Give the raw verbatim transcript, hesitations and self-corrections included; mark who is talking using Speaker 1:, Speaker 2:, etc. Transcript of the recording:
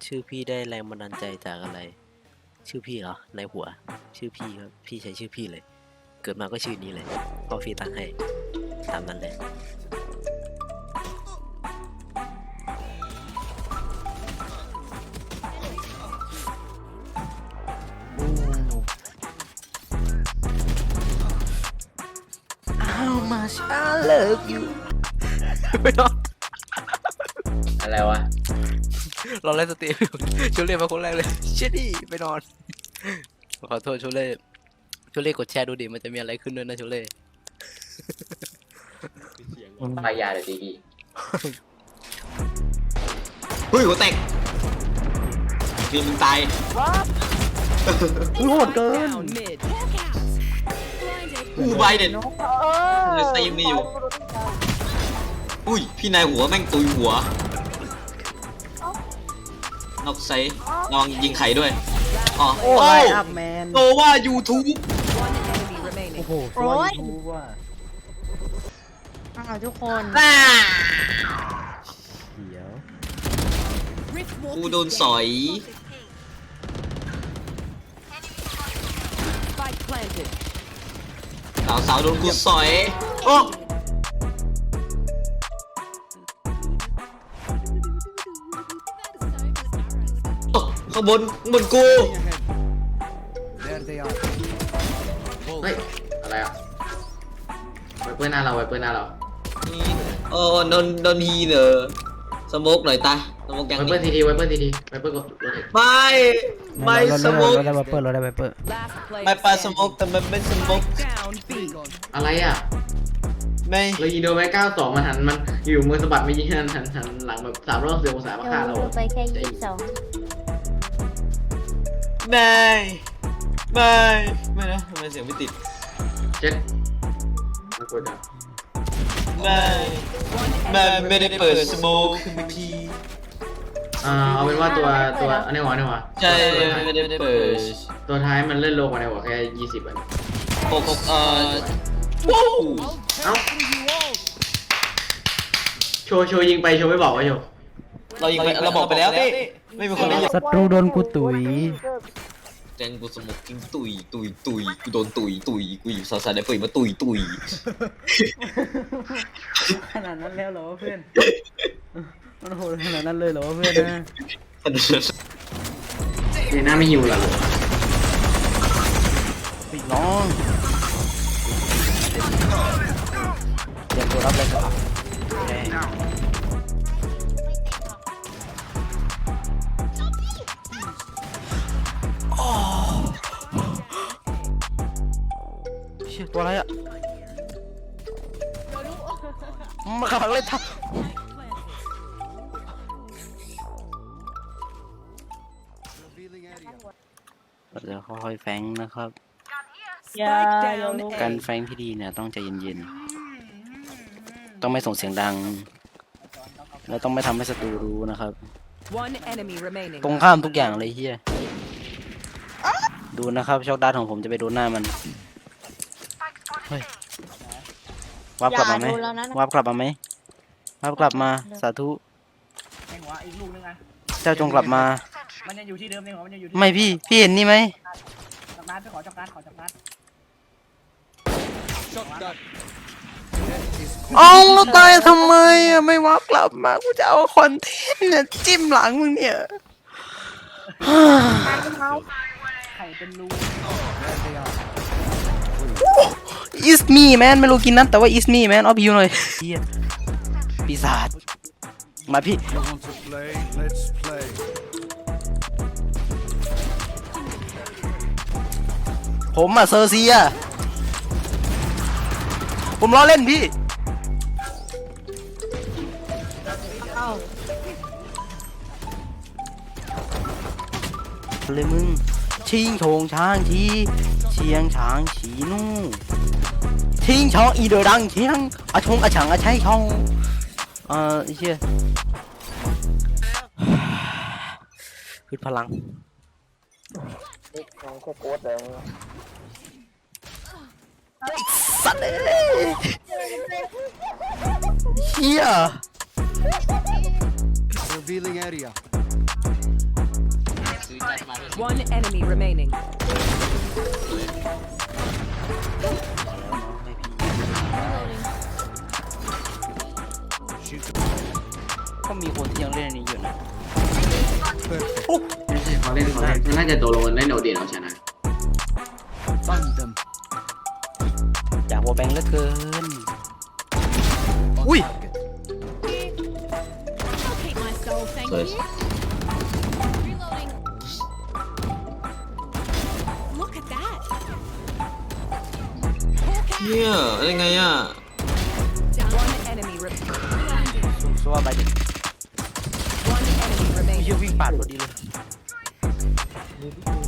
Speaker 1: ชื่อพี่ได้แรงบันดาลใจจากอะไรชื่อพี่เหรอในหัวชื่อพี่ครับพี่ใช้ชื่อพี่เลยเกิดมาก็ชื่อนี้เลยพ่อพี่ตั้งให้ตามนั้นเลยHow much I love you ไม่ต้อง
Speaker 2: อะไรวะ
Speaker 1: เราเล่นสตรีมชูเล่มาคนแรกเลยเชดดี้ไปนอนขอโทษชูเล่ชูเล่กดแชร์ดูดิมันจะมีอะไรขึ้นด้วยนะชูเล่
Speaker 2: พายาเลยดีดีเฮ้ยหัวแตกบินมึงตาย
Speaker 1: โหดเกิน
Speaker 2: กูไบเด็ดเลยสตรีมนี่อยู่อุ้ยพี่นายหัวแม่งตุยหัวนอกไซลองยิงไข่ด้วยอ๋อโอ้ยโตว่ายูทูบ
Speaker 3: โอ้โหโอ้ยอ้าวทุกคน
Speaker 1: เดี๋ยว
Speaker 2: กูโดนสอยสาวสาวโดนกูสอยโอ้ข้างบนบนกูเฮ้ยอะไรอ่ะไวเปอร์หน้าเราไวเปอร์หน้าเราโอ้โดนโดนฮีเนอสโมกหน่อยตาสโมกยังไวเปอร์ทีทีไวเปอร์ทีทีไวเปอร์กดไม่ไม่สโมก
Speaker 1: เราได้ไวเปอร์เราได้ไวเปอร์
Speaker 2: ไม่ปาสโมกแต่มันไม่สโมกอะไรอ่ะไม่เรายิงโดนไปเก้าสองมันหันมันอยู่มือสะบัดไม่ยิงหันหันหันหลังแบบสามรอบเสียองศามาฆ่าเรา
Speaker 3: ไปแค่ยี่สิบสอง
Speaker 2: ไม่ไม่ไม่นะทำไมเสียงไม่ติดเจ็ดน่ากลัวจังไม่ไม่ไม่ได้เปิดสโมกเมื่อกี้อ่าเอาเป็นว่าตัวตัวอันนี้หัวอันนี้หัวใช่ไม่ได้เปิดตัวท้ายมันเล่นโลกว่าในหัวแค่ยี่สิบอันหกหกเอ่อว้าวเอ้าโชว์โชว์ยิงไปโชว์ไม่บอกว่าโชว์เรายิงไปเราบอกไปแล้วพี่ไม่มีคนได้ยิน
Speaker 1: ศัตรูโดนกูตุ๋ย
Speaker 2: แจงกูสมกกินตุยตุยตุยกูโดนตุยตุยกูอยู่ซาซาได้เปิดมาตุยตุย
Speaker 1: ขนาดนั้นแล้วเหรอเพื่อนมันโหดขนาดนั้นเลยเหรอเพื่อนนะ
Speaker 2: เจน่าไม่หิวหรอ
Speaker 1: ปิดน้องเตรียมตัวรับเลยครับตัวอะไรอ่ะมาขังเลยทับเราจะค่อยๆแฟงนะครับการแฟงที่ดีเนี่ยต้องใจเย็นๆต้องไม่ส่งเสียงดังแล้วต้องไม่ทำให้ศัตรูรู้นะครับตรงข้ามทุกอย่างเลยเฮียดูนะครับช็อกดาร์ทของผมจะไปโดนหน้ามันเฮ้ยวับกลับมาไหมวับกลับมาไหมวับกลับมาสาธุเจ้าจงกลับมา
Speaker 4: มันยังอยู่ที่เดิมเองเหรอมันยังอยู่
Speaker 1: ไม่พี่พี่เห็นนี่ไหม
Speaker 4: จับนัดไปขอจับนัดขอจับนัด
Speaker 1: เอาแล้วตายทำไมอ่ะไม่วับกลับมากูจะเอาคอนเทนต์เนี่ยจิ้มหลังมึงเนี่ย
Speaker 4: ไข่เป็นรู
Speaker 1: It's me man ไม่รู้กินนั้นแต่ว่า It's me man เอาพี่หน่อยปีศาจมาพี่ผมอะเซอร์เซียผมล้อเล่นพี่เลยมึงชิงโฉงช้างชีเชียงช้างฉีนู่ชิงช่องอีเดอดังเชียงอาชงอาฉังอาใช้ช่องเอ่อเชี่ยคือพลังสัตว์เลยเฮีย
Speaker 5: Revealing area
Speaker 3: One enemy remaining.
Speaker 1: ก็มีคนที่ยังเล่นอันนี้อยู่นะ
Speaker 5: ไม่ใช่เขาเล่นเขาเล่นน่าจะโดนลงเล่นโอเดียนเอาชนะ
Speaker 1: อยากวอลแบงค์เหลือเกิน อุ้ย
Speaker 6: Keep my soul, thank
Speaker 5: Nice.
Speaker 6: you. Reloading. Look at that.
Speaker 2: เฮียอะไรไงอ่ะ
Speaker 3: One enemy remaining.
Speaker 1: สว่าไปดิ
Speaker 3: One enemy
Speaker 1: ไม่
Speaker 3: remaining.
Speaker 1: เชื่อวิ่งปาดพอดีเลย
Speaker 2: เ